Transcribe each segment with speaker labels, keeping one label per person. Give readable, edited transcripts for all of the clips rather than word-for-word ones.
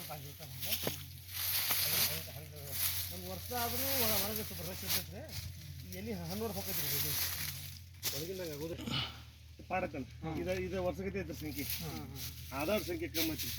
Speaker 1: ಒಂದು ವರ್ಷ ಆದರೂ ಒಳಗೆ ಸ್ವಲ್ಪ ರಶ್ ಇರ್ತೈತೆ ರೀ ಎಲ್ಲಿ ಹಣ್ಣು ಹೋಗೈತೆ ರೀ ಇದು ಒಳಗಿಂದಾಗ ಆಗೋದ್ರಿ ಪಾಡಕ್ಕಂತ ಇದು ವರ್ಷಗತಿ ಐತ್ರಿ ಸಂಖ್ಯೆ ಆಧಾರ್ ಸಂಖ್ಯೆ ಕಮ್ಮಿ ಐತಿ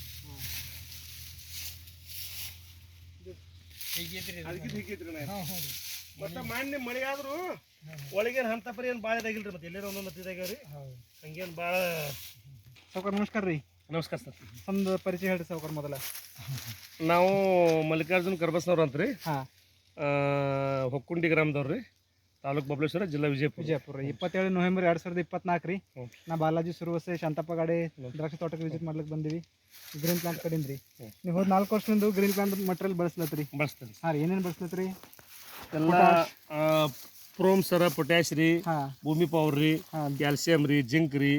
Speaker 1: ಅದಕ್ಕೆ ಹೀಗೈತ್ರಿ ನಾ ಮತ್ತೆ ಮಾನ್ಯ ಮಳೆ ಆದರೂ ಒಳಗೇನು ಹಂತ ಪರಿ ಏನು ಭಾಳ ಇದಾಗಿಲ್ರಿ ಮತ್ತೆ ಎಲ್ಲೇನೋ ಒಂದೊಂದು ಇದಾಗ್ಯಾವ ರೀ ಹಂಗೇನು ಭಾಳ
Speaker 2: ಸಾವ್ಕಾರ ನಮಸ್ಕಾರ ರೀ.
Speaker 1: ನಮಸ್ಕಾರ ಸರ್.
Speaker 2: ಒಂದು ಪರಿಚಯ ಹೇಳ್ರಿ ಸಾವ್ಕಾರ ಮೊದಲ.
Speaker 1: ನಾವು ಮಲ್ಲಿಕಾರ್ಜುನ್ ಕರ್ಬಸ್ನವ್ರು ಅಂತ ರೀ. ಹೊಕ್ಕುಂಡಿ ಗ್ರಾಮದವ್ರು ರೀ, ತಾಲೂಕು ಬಬಲೇಶ್ವರ, ಜಿಲ್ಲಾ ವಿಜಯಪುರ.
Speaker 2: 27 ನವೆಂಬರ್ 2024 ರೀ. ನಾ ಬಾಲಾಜಿ ಸುರುವಸೆ ಶಾಂತಪ್ಪ ಗಾಡೆ ದ್ರಾಕ್ಷಿ ತೋಟಕ್ಕೆ ವಿಸಿಟ್ ಮಾಡ್ಲಿಕ್ಕೆ ಬಂದೀವಿ. ಗ್ರೀನ್ ಪ್ಲಾಂಟ್ ಕಡಿಂದ ರೀ. ನೀವು ಹೋದ 4 ವರ್ಷದಿಂದ ಗ್ರೀನ್ ಪ್ಲಾಂಟ್ ಮಟೀರಿಯಲ್ ಬಳಸ್ಲತ್ರಿ?
Speaker 1: ಬಳಸ್ತೀರಿ.
Speaker 2: ಹಾಂ ರೀ. ಏನೇನು ಬಳಸ್ಲತ್ರಿ?
Speaker 1: ಎಲ್ಲ ಪ್ರೋಮ್ ಸರ, ಪೊಟ್ಯಾಶ್ ರೀ, ಭೂಮಿ ಪವರ್ ರೀ, ಕ್ಯಾಲ್ಸಿಯಂ ರೀ, ಜಿಂಕ್ ರೀ,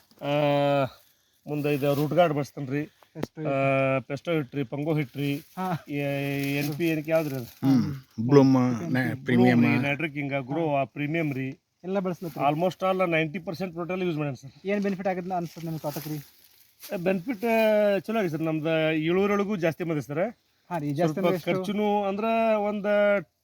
Speaker 1: ಮುಂದೆ ಇದು ರೂಟ್ ಗಾರ್ಡ್ ಬಳಸ್ತಾನೆ ರೀ, ಪೆಸ್ಟೋ ಹಿಟ್ರಿ, ಪಂಗೋ ಹಿಟ್ರಿ, NP ಏನಕ್ಕೆ ಯಾವ್ದ್ರಿ ಅದು
Speaker 3: ಬ್ಲೂಮ್ ಪ್ರೀಮಿಯಂ
Speaker 1: ನೈಟ್ರಿಕಿಂಗ ಗ್ರೋವಾ ಪ್ರೀಮಿಯಂ ರೀ
Speaker 2: ಎಲ್ಲ ಬಳಸ್ಲತ್ರಿ.
Speaker 1: ಆಲ್ಮೋಸ್ಟ್ ಆಲ್ 90% ಟೋಟಲ್ ಯೂಸ್ ಮಾಡ್ಯಾನ ಸರ್.
Speaker 2: ಏನು ಬೆನಿಫಿಟ್ ಆಗಿದೆ ಅನ್ಸುತ್ತೆ ನಿಮ್ಮ ತೋಟಕ್ಕೆ ರೀ?
Speaker 1: ಬೆನಿಫಿಟ್ ಚಲೋ ಆಗಿದೆ ಸರ್. ನಮ್ದು ಇಳುವರಿಯೊಳಗೂ ಜಾಸ್ತಿ ಬಂದಿದೆ ಸರ್.
Speaker 2: ಹಾಂ ರೀ. ಜಾಸ್ತಿ
Speaker 1: ಖರ್ಚುನು ಅಂದ್ರೆ ಒಂದು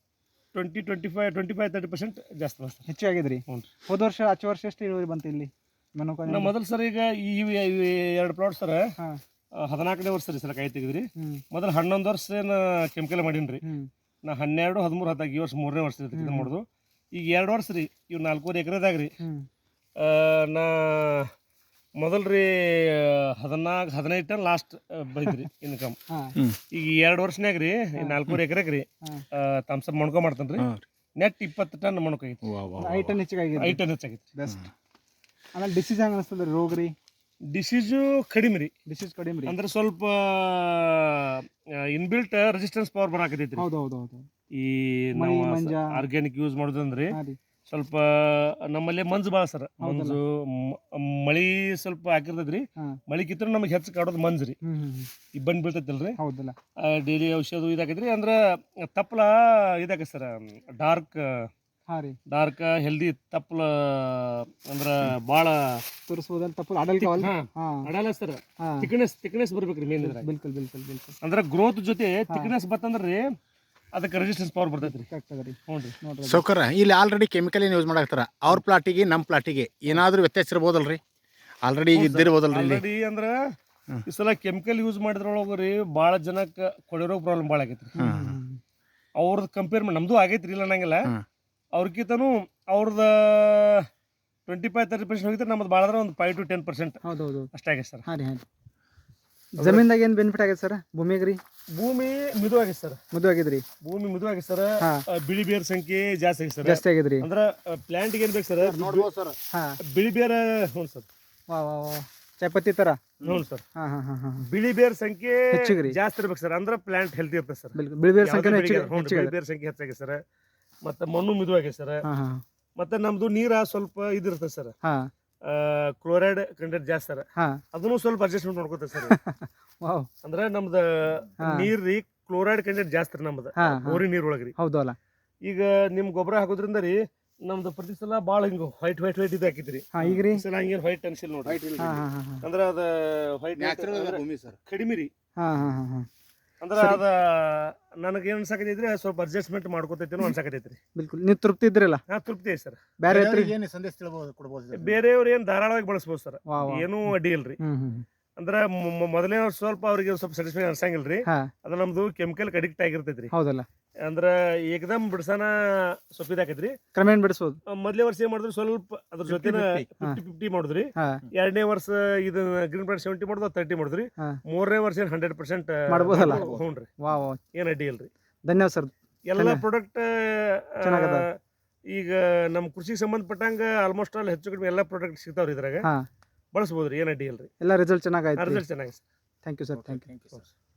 Speaker 1: 25-30% ಜಾಸ್ತಿ ಬರ್ತದೆ,
Speaker 2: ಹೆಚ್ಚು ಆಗಿದೆ ರೀ. ಹೋದ ವರ್ಷ ಆಚೆ ವರ್ಷ ಎಷ್ಟು ಇಳುವರಿ ಬಂತು ಇಲ್ಲಿ
Speaker 1: ನಮ್ಮ ಮೊದಲು ಸರ್? ಈಗ ಈ 2 ಪ್ಲಾಟ್ ಸರ್ 14ನೇ ವರ್ಷ ರೀ ಸರ್ ಕಾಯಿ ತೆಗೆದ್ರಿ. ಮೊದಲು 11 ವರ್ಷ ಏನು ಕೆಮಿಕಲ್ ಮಾಡೀನಿ ರೀ. ನಾ 12, 13, 14 ಈ ವರ್ಷ 3ನೇ ವರ್ಷ ಇದು ಮಾಡೋದು. ಈಗ 2 ವರ್ಷ ರೀ, ಇವು 4.5 ಎಕರೆದಾಗ ರೀ. ನಾ ಮೊದಲು ರೀ 14-15 ಟನ್ ಲಾಸ್ಟ್ ಬೈದ್ರಿ ಇನ್ಕಮ್. ಈಗ 2 ವರ್ಷನಾಗ ರೀ 4.5 ಎಕರೆಗೆ ರೀ ತಮ್ಸಪ್ ಮಣ್ಕೊ ಮಾಡ್ತಾನೆ ರೀ. ನೆಟ್ 20 ಟನ್ ಮಣ್ಕಾಗೈತಿ.
Speaker 2: 5 ಟನ್ ಹೆಚ್ಚಾಗೈತಿ.
Speaker 1: 5 ಟನ್ ಹೆಚ್ಚಾಗೈತಿ.
Speaker 2: ಬೆಸ್ಟ್. ಆಮೇಲೆ ಡಿಸೀಸ್ ಹೆಂಗೆ ಅನಿಸ್ತದೆ ರೀ? ರೋಗ ರೀ?
Speaker 1: ಡಿಸೀಸು ಕಡಿಮೆ ರೀ.
Speaker 2: ಡಿಸೀಸ್ ಕಡಿಮೆ ರೀ
Speaker 1: ಅಂದ್ರೆ ಸ್ವಲ್ಪ ಇನ್ಬಿಲ್ಟ್ ರೆಸಿಸ್ಟೆನ್ಸ್ ಪವರ್ ಬರಾಕತೈತಿ.
Speaker 2: ಹೌದು ಹೌದು ಹೌದು.
Speaker 1: ಈ ನಾವು ಆರ್ಗ್ಯಾನಿಕ್ ಯೂಸ್ ಮಾಡೋದಂದ್ರೆ ಸ್ವಲ್ಪ ನಮ್ಮಲ್ಲಿ ಮಂಜು ಭಾಳ ಸರ್. ಮಂಜು ಮಳಿ ಸ್ವಲ್ಪ ಹಾಕಿರ್ತೈತ್ರಿ. ಮಳಿ ಕಿತ್ತರೂ ನಮಗೆ ಹೆಚ್ಚು ಕಾಡೋದು ಮಂಜು ರೀ. ಇಬ್ಬಂದು ಬೀಳ್ತೈತಲ್ರಿ, ಡೈಲಿ ಔಷಧ ಇದಾಕೈತ್ರಿ. ಅಂದ್ರೆ ತಪ್ಪಲ ಇದಾಕೈತಿ ಸರ್, ಡಾರ್ಕ್ ಹೆಲ್ದಿ ತಪ್ಪಲ. ಅಂದ್ರೆ ಭಾಳ
Speaker 2: ತೋರಿಸ್ಬೋದಲ್ಲ ತಪ್ಪಲ
Speaker 1: ಅಡಲ್ಲ ಸರ್. ಥಿಕ್ನೆಸ್ ಬರ್ಬೇಕ್ರಿ ಮೇನ್.
Speaker 2: ಬಿಲ್ಕುಲ್ ಬಿಲ್ಕುಲ್ ಬಿಲ್ಕುಲ್.
Speaker 1: ಅಂದ್ರೆ ಗ್ರೋತ್ ಜೊತೆ ಥಿಕ್ನೆಸ್ ಬರ್ತಂದ್ರಿ ಅದಕ್ಕೆ ರೆಸಿಸ್ಟೆನ್ಸ್ ಪವರ್ ಬರ್ತೈತ್ರಿ.
Speaker 3: ಸೌಕರ್ಯ ಇಲ್ಲಿ ಆಲ್ರೆಡಿ ಕೆಮಿಕಲ್ ಏನು ಯೂಸ್ ಮಾಡಾಕ್ತಾರ. ಅವ್ರ ಪ್ಲಾಟಿಗೆ ನಮ್ಮ ಪ್ಲಾಟಿಗೆ ಏನಾದರೂ ವ್ಯತ್ಯಾಸ ಇರ್ಬೋದಲ್ರಿ? ಆಲ್ರೆಡಿ ಈಗ ಇದ್ದಿರ್ಬೋದಲ್ರಿ?
Speaker 1: ಆಲ್ರೆಡಿ ಅಂದ್ರೆ ಈ ಸಲ ಕೆಮಿಕಲ್ ಯೂಸ್ ಮಾಡಿದ್ರೊಳಗೆ ರೀ ಭಾಳ ಜನಕ್ಕೆ ಕೊಡಿರೋ ಪ್ರಾಬ್ಲಮ್ ಭಾಳ ಆಗೈತ್ರಿ. ಅವ್ರದ್ದು ಕಂಪೇರ್ ಮಾಡಿ ನಮ್ದು ಆಗೈತ್ರಿ, ಇಲ್ಲ ಅನ್ನಂಗಿಲ್ಲ. ಅವ್ರಕ್ಕಿಂತನೂ ಅವ್ರದ್ದು 25-30% ಹೋಗಿದ್ರೆ ನಮ್ಮದು ಭಾಳ ಅಂದ್ರೆ ಒಂದು 5 to 10% ಅಷ್ಟೇ ಆಗೈತೆ ಸರ್.
Speaker 2: ಜಮೀನ್ದಾಗ ಏನು ಬೆನಿಫಿಟ್ ಆಗೈತೆ ಸರ್? ಭೂಮಿಗೆ ರೀ?
Speaker 1: ಭೂಮಿ ಮಿದು ಆಗೈತೆ ಸರ್. ಭೂಮಿ ಮಿದು ಆಗೈತೆ ಸರ್. ಬಿಳಿ ಬೇರ್ ಸಂಖ್ಯೆ ಜಾಸ್ತಿ ಆಗೈತೆ ಸರ್.
Speaker 2: ಜಾಸ್ತಿ ಆಗಿದ್ರಿ.
Speaker 1: ಅಂದ್ರೆ ಪ್ಲಾಂಟ್ಗೆ ಏನು ಬೇಕು ಸರ್? ನೋಡ್ಬೋದು ಸರ್. ಬಿಳಿ ಬೇರ. ಹ್ಞೂ ಸರ್.
Speaker 2: ಚಾಪತ್ತಿ ತರ.
Speaker 1: ಹ್ಞೂ ಸರ್. ಬಿಳಿ ಬೇರ್ ಸಂಖ್ಯೆ ಜಾಸ್ತಿ ಇರ್ಬೇಕು ಸರ್. ಅಂದ್ರೆ ಪ್ಲಾಂಟ್ ಹೆಲ್ತಿ ಇರ್ತದೆ ಸರ್.
Speaker 2: ಬಿಳಿ ಬೇರ್ ಸಂಖ್ಯೆ
Speaker 1: ಹೆಚ್ಚಾಗೈತೆ ಸರ್. ಮತ್ತೆ ಮಣ್ಣು ಮಿದು ಆಗೈತೆ ಸರ್. ಮತ್ತೆ ನಮ್ದು ನೀರ ಸ್ವಲ್ಪ ಇದಿರ್ತದೆ ಸರ್, ಕ್ಲೋರೈಡ್ ಕಂಟೆಂಟ್ ಜಾಸ್ತಿ ಸರ್. ಅದನ್ನು ಸ್ವಲ್ಪ ಅಡ್ಜಸ್ಟ್ಮೆಂಟ್ ಮಾಡ್ಕೋತೇವೆ ಸರ್. ಅಂದ್ರೆ ನಮ್ದು ನೀರ್ ರೀ ಕ್ಲೋರೈಡ್ ಕಂಟೆಂಟ್ ಜಾಸ್ತಿ ರೀ ನಮ್ದು ಬೋರಿ ನೀರ್ ಒಳಗ್ರಿ.
Speaker 2: ಹೌದಲ್ಲ.
Speaker 1: ಈಗ ನಿಮ್ ಗೊಬ್ಬರ ಹಾಕೋದ್ರಿಂದ ರೀ ನಮ್ದು ಪ್ರತಿ ಸಲ ಭಾಳ ಹಿಂಗ ವೈಟ್ ಇದು ಹಾಕಿದ್ರಿ.
Speaker 2: ಈಗ ರೀ
Speaker 1: ಸಲ ಹಂಗೇನು ವೈಟ್ ಅನ್ಸಿಲ್ ನೋಡ್ರಿ. ಅಂದ್ರೆ ಅದ ವೈಟ್ ಕಡಿಮೆ ರೀ. ಅಂದ್ರೆ ಅದ ನನಗೆ ಏನ್ ಅನ್ಸಾಕತೈತ್ರಿ, ಸ್ವಲ್ಪ ಅಡ್ಜಸ್ಟ್ಮೆಂಟ್ ಮಾಡ್ಕೋತೈತೇನೋ ಅನ್ಸಾಕತೈತ್ರಿ.
Speaker 2: ಬಿಲ್ಕುಲ್. ನೀವು ತೃಪ್ತಿ ಇದ್ರಲ್ಲ?
Speaker 1: ತೃಪ್ತಿ ಐತಿ ಸರ್. ಬೇರೆಯವ್ರು ಏನ್ ಧಾರಾಳವಾಗಿ ಬಳಸ್ಬೋದು ಸರ್, ಏನೂ ಅಡ್ಡಿ ಇಲ್ರಿ. ಅಂದ್ರೆ ಮೊದಲೇ ಸ್ವಲ್ಪ ಅವ್ರಿಗೆ ಸ್ವಲ್ಪ ಸ್ಯಾಟಿಸ್ಫೈ ಅನ್ಸಂಗಿಲ್ರಿ. ಅದ ನಮ್ದು ಕೆಮಿಕಲ್ ಅಡಿಕ್ಟ್ ಆಗಿರ್ತೈತ್ರಿ.
Speaker 2: ಹೌದಲ್ಲ.
Speaker 1: ಅಂದ್ರೆ ಏಕದಮ್ ಬಿಡ್ಸನ ಸ್ವಲ್ಪ ಇದಾಕೈತ್ರಿ.
Speaker 2: ಕ್ರಮೇಣ ಬಿಡಿಸೋದು.
Speaker 1: ಮೊದಲೇ ವರ್ಷ ಏನ್ ಮಾಡಿದ್ರಿ, ಸ್ವಲ್ಪ ಅದ್ರ ಜೊತೆ 50-50 ಮಾಡಿದ್ರಿ. 2ನೇ ವರ್ಷ ಇದನ್ನ ಗ್ರೀನ್ ಪ್ಲಾಂಟ್ 70 ಮಾಡಿದ್ವಿ, 30 ಮಾಡಿದ್ರಿ. 3ನೇ ವರ್ಷ 100%
Speaker 2: ಮಾಡ್ಬೋದಲ್ಲ?
Speaker 1: ಹ್ಞೂನ್ರಿ. ಏನ್ ಅಡ್ಡಿ ಇಲ್ರಿ.
Speaker 2: ಧನ್ಯವಾದ ಸರ್.
Speaker 1: ಎಲ್ಲ ಪ್ರಾಡಕ್ಟ್ ಈಗ ನಮ್ಮ ಕೃಷಿಗೆ ಸಂಬಂಧಪಟ್ಟಂಗ ಆಲ್ಮೋಸ್ಟ್ ಆಲ್ ಹೆಚ್ಚು ಕಡಿಮೆ ಎಲ್ಲ ಪ್ರಾಡಕ್ಟ್ ಸಿಗ್ತಾವ್ರಿ ಇದ್ರಾಗ. ಬಳಸ್ಬೋದ್ರಿ, ಏನ್ ಅಡ್ಡಿ ಇಲ್ರಿ.
Speaker 2: ಎಲ್ಲ ರಿಸಲ್ಟ್ ಚೆನ್ನಾಗಿ ಆಯ್ತು.
Speaker 1: ರಿಸಲ್ಟ್ ಚೆನ್ನಾಗಿ.
Speaker 2: Thank you sir. Thank you.